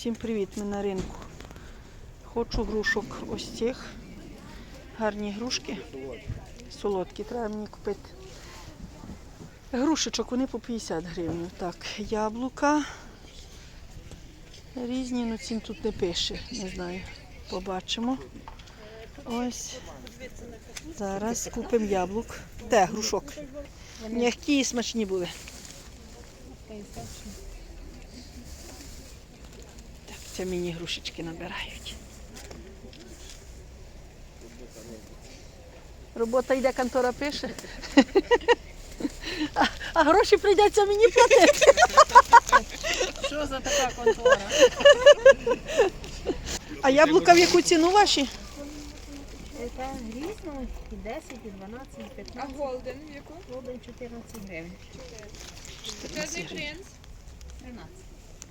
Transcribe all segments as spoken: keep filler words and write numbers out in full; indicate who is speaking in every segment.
Speaker 1: Всім привіт, ми на ринку. Хочу грушок ось цих. Гарні грушки. Солодкі, треба мені купити. Грушечок, вони по п'ятдесят гривень. Так, яблука. Різні, ну цін тут не пише, не знаю. Побачимо. Ось. Зараз купимо яблук. Те, грушок. М'які і смачні були. Так, це мені грушечки набирають. Робота йде, контора пише. А, а гроші прийдеться мені платити.
Speaker 2: Що за така контора?
Speaker 1: А яблука в яку ціну ваші?
Speaker 3: Це різно, і десять, і дванадцять, і
Speaker 2: А
Speaker 3: п'ятнадцять.
Speaker 2: голден в яку?
Speaker 3: Голден чотирнадцять гривень.
Speaker 2: Чорний принц.
Speaker 3: тринадцять.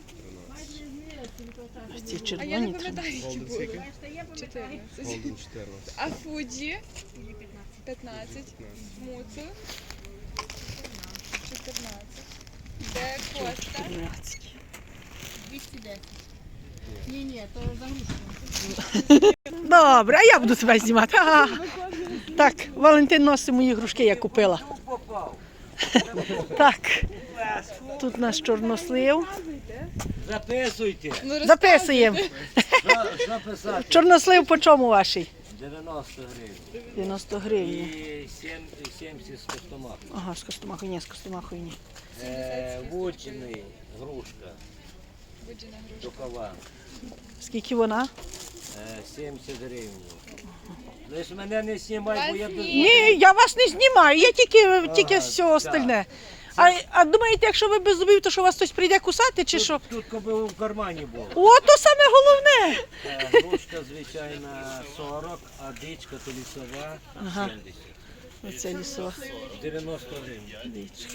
Speaker 1: А ці
Speaker 2: А я
Speaker 1: червоні.
Speaker 2: не пам'ятаю, які були. чотирнадцять. А Фуджі? п'ятнадцять. Муцу? чотирнадцять. Де Коста?
Speaker 1: тринадцять.
Speaker 3: двісті десять. Ні, ні, то за грушку.
Speaker 1: Добре, а я буду себе знімати. Ага. Так, Валентин носить мої грушки, я купила. Так, тут наш чорнослив.
Speaker 4: Записуйте.
Speaker 2: Ну,
Speaker 1: Записуємо.
Speaker 4: За- Записати.
Speaker 1: Чорнослив по чому ваший?
Speaker 4: дев'яносто гривень.
Speaker 1: дев'яносто гривень.
Speaker 4: І сім- сімдесят з костомах.
Speaker 1: Ага, з костомахою, ні, з костомахою ні.
Speaker 4: Е, Вучений, грушка,
Speaker 2: Буджена грушка.
Speaker 4: дукова.
Speaker 1: Скільки вона?
Speaker 4: Е, сімдесят гривень. Лиш мене не знімай, бо я без...
Speaker 1: Ні, я вас не знімаю, я тільки, тільки все
Speaker 4: так.
Speaker 1: остальне. А, а думаєте, якщо ви без зубів, то що вас хтось прийде кусати чи що?
Speaker 4: Тут, тут коби в кармані було.
Speaker 1: О, то саме головне.
Speaker 4: Е, Грушка, звичайна, сорок, а дичка то лісова
Speaker 1: Ага.
Speaker 4: сімдесят.
Speaker 1: Оце лісова
Speaker 4: дев'яносто гривень.
Speaker 1: дичка.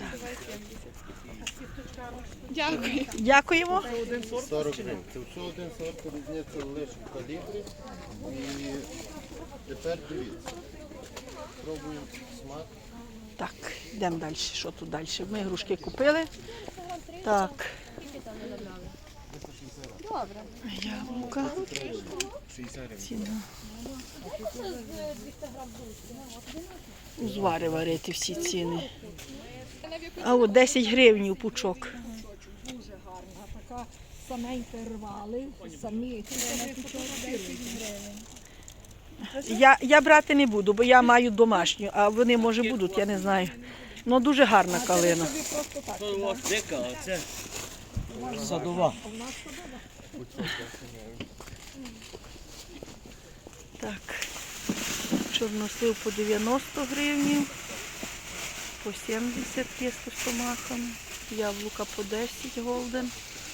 Speaker 2: Дякую.
Speaker 1: Дякуємо.
Speaker 5: сорок гривень. Це все один сорт, різниця лише в калібрі. І тепер дивіться. Пробуємо смак.
Speaker 1: Так, йдемо далі. Що тут далі? Ми грушки купили. Так. Яблука. Ціна. Узвари варити всі ціни. А от десять гривень пучок.
Speaker 3: Дуже гарна, така саменька рвали, самі.
Speaker 1: Я, я брати не буду, бо я маю домашню, а вони, може, будуть, я не знаю. Ну, дуже гарна калина.
Speaker 4: Ось дика, оце садова.
Speaker 1: Так, чорнослив по дев'яносто гривень, по сімдесят є з костомахами, яблука по десять голден,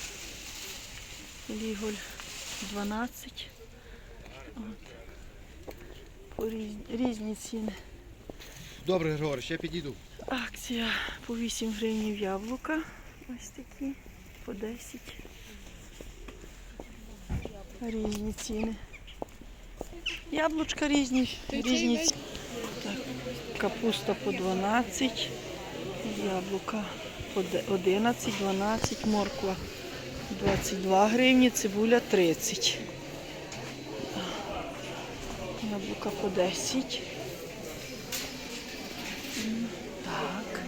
Speaker 1: ліголь дванадцять. От. По різні, різні ціни.
Speaker 5: Добре, Григорій, ще підійду.
Speaker 1: Акція по вісім гривень яблука, ось такі, по десять. Різні ціни. Яблучка різні, різні ціни. Так, капуста по дванадцять, яблука по одинадцять, дванадцять, морква двадцять два гривні, цибуля тридцять. Яблука по десять. Так.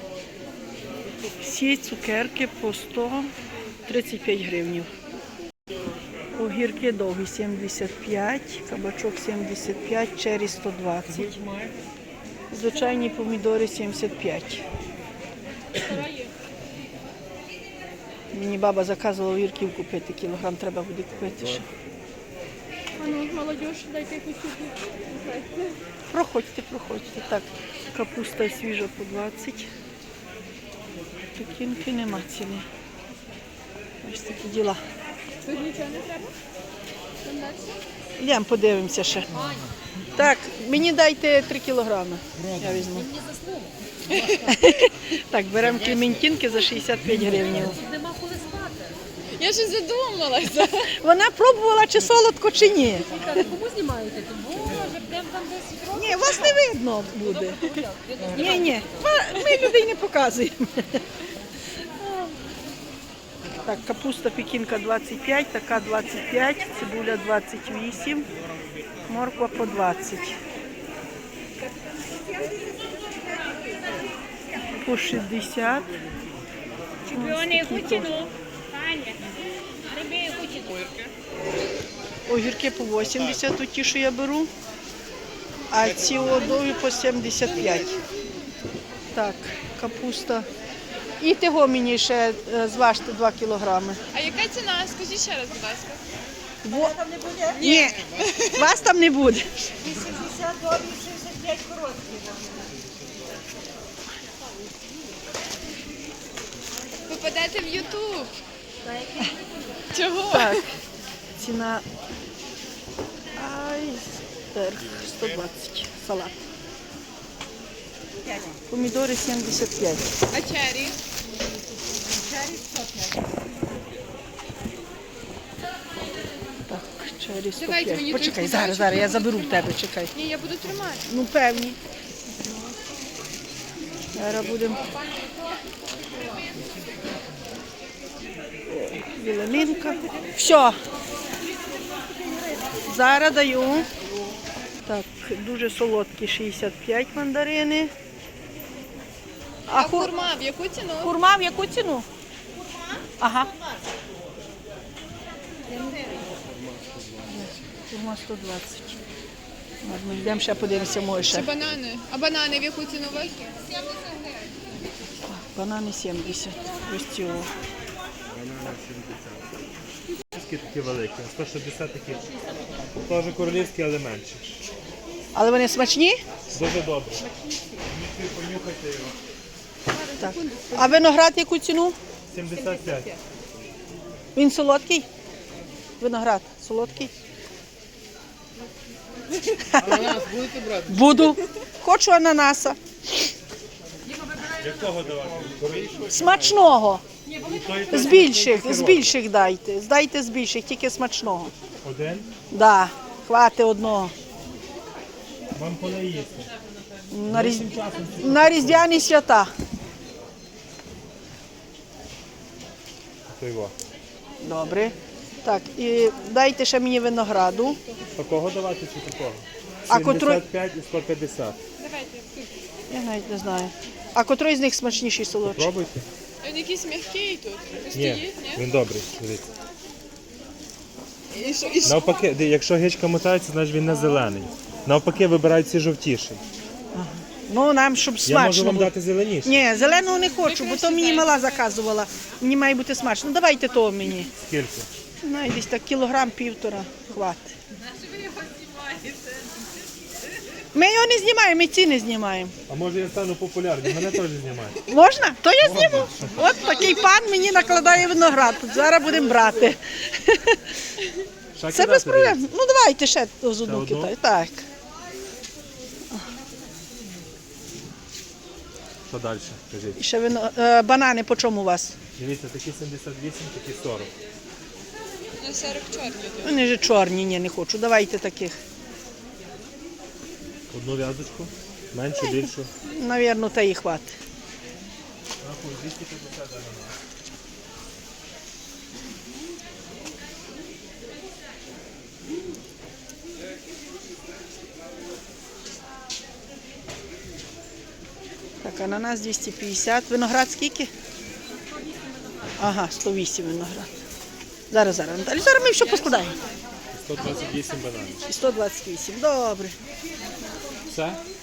Speaker 1: Всі цукерки по сто тридцять п'ять гривень. Огірки довгі сімдесят п'ять, кабачок сімдесят п'ять, чері сто двадцять. Звичайні помідори сімдесят п'ять. Мені баба заказувала огірків купити, кілограм треба буде купити ще.
Speaker 2: А ну, молодіж, дайте хочу.
Speaker 1: Проходьте, проходьте. Так, капуста свіжа по двадцять. Пекінки нема ціни. Ось такі діла.
Speaker 2: Тут нічого не треба? Там далі?
Speaker 1: Йдемо подивимося ще. Так, мені дайте три кілограми. Я візьму. Так, беремо клементинки за шістдесят п'ять гривень.
Speaker 2: Я ж задумалася.
Speaker 1: Вона пробувала, чи солодко, чи ні.
Speaker 3: Кому знімаєте? Боже, прям там десять років.
Speaker 1: Ні, вас не видно буде. Ні, ні, ми людей не показуємо. Так, капуста пекінка двадцять п'ять, така двадцять п'ять, цибуля двадцять вісім, морква по двадцять. По шістдесят.
Speaker 3: Чемпіони Гутіну. Таня. Риби Гутіну.
Speaker 1: Огірки по вісімдесят, от ті, що я беру. А ці одові по сімдесят п'ять. Так, капуста. І того мені ще е, зважте два кілограми.
Speaker 2: А яка ціна? Скажіть ще раз, будь ласка.
Speaker 1: Во... Ні, вас там не буде.
Speaker 3: вісімдесят довгі, шістдесят п'ять короткі.
Speaker 2: Попадете в Ютуб. Чого?
Speaker 1: Так, ціна айсберг сто двадцять, салат. Помідори сімдесят п'ять.
Speaker 2: А чері?
Speaker 1: Так, чері сто
Speaker 2: Давайте
Speaker 1: п'ять.
Speaker 2: мені
Speaker 1: Почекай,
Speaker 2: той
Speaker 1: зараз,
Speaker 2: кусочок.
Speaker 1: зараз, я заберу в тебе, чекай.
Speaker 2: Ні, я буду тримати.
Speaker 1: Ну, певні. Зараз будемо. Віламінка. Все. Зараз даю. Так, дуже солодкі шістдесят п'ять мандарини.
Speaker 2: А
Speaker 1: А хур...
Speaker 2: хурма в яку ціну?
Speaker 1: хурма в яку ціну? Ага. Хурма сто двадцять. Ладно, йдемо ще подивимося, може
Speaker 2: Чи
Speaker 1: ще.
Speaker 2: банани? А банани в яку ціну у вас?
Speaker 1: Банани сімдесят. Ось цього.
Speaker 6: Такі великі, сто шістдесят такі. Теж королівські, але менші.
Speaker 1: Але вони смачні?
Speaker 6: Дуже добре. Понюхайте його.
Speaker 1: Так. А виноград яку ціну?
Speaker 6: сімдесят п'ять.
Speaker 1: Він солодкий? Виноград солодкий?
Speaker 5: Ананас будете брати?
Speaker 1: Буду. Хочу ананаса.
Speaker 6: Якого давати?
Speaker 1: Смачного.
Speaker 6: Той, той,
Speaker 1: З більших, з більших дайте. Здайте з більших, тільки смачного.
Speaker 6: Один.
Speaker 1: Да, хвати одного.
Speaker 6: Вам коли їсти.
Speaker 1: На, різ... На різдвяні свята.
Speaker 6: То його.
Speaker 1: Добре. Так, і дайте ще мені винограду.
Speaker 6: Такого давати чи такого?
Speaker 1: А котрий-
Speaker 6: сімдесят п'ять і сто п'ятдесят.
Speaker 1: Я навіть не знаю. А котрий з них смачніший солодший?
Speaker 6: Пробуйте.
Speaker 2: Він якийсь м'який тут.
Speaker 6: Ні,
Speaker 2: Стоїть, ні?
Speaker 6: він добрий. Дивіться.
Speaker 2: І що, і що?
Speaker 6: Навпаки, ди- якщо гичка мотається, значить він не зелений. Навпаки, вибирають ці жовтіший.
Speaker 1: Ну, нам, щоб
Speaker 6: Я можу
Speaker 1: смачно
Speaker 6: вам
Speaker 1: було.
Speaker 6: дати зеленіший.
Speaker 1: Ні, зеленого не хочу, бо то мені мала заказувала. Мені має бути смачно. Ну, давайте того мені.
Speaker 6: Скільки?
Speaker 1: Ну, десь так кілограм півтора хватить. Ми його не знімаємо, ми ці не знімаємо.
Speaker 6: А може я стану популярним, мене теж знімають.
Speaker 1: Можна? То я зніму. От такий пан мені накладає виноград. Зараз будемо брати.
Speaker 6: Ще
Speaker 1: Це
Speaker 6: кидати,
Speaker 1: без проблем. Ну давайте ще з
Speaker 6: Ще
Speaker 1: одну
Speaker 6: одну?
Speaker 1: китай. Так.
Speaker 6: Що далі? Кажіть.
Speaker 1: І ще вино... е, банани по чому у вас?
Speaker 6: Дивіться, такі сімдесят вісім, такі сорок.
Speaker 2: Ну, сорок чорні тут.
Speaker 1: Вони вже чорні, ні, не хочу. Давайте таких.
Speaker 6: Одну в'язочку, меншу, більшу.
Speaker 1: Навірно, та і хватить.
Speaker 6: Рахуй, двісті п'ятдесят ананас.
Speaker 1: Так, ананас двісті п'ятдесят. Виноград скільки? Ага, сто вісім виноград. Зараз, зараз. Наталі, зараз ми все поскладаємо.
Speaker 6: сто двадцять вісім бананів.
Speaker 1: І сто двадцять вісім. Добре.
Speaker 6: Все?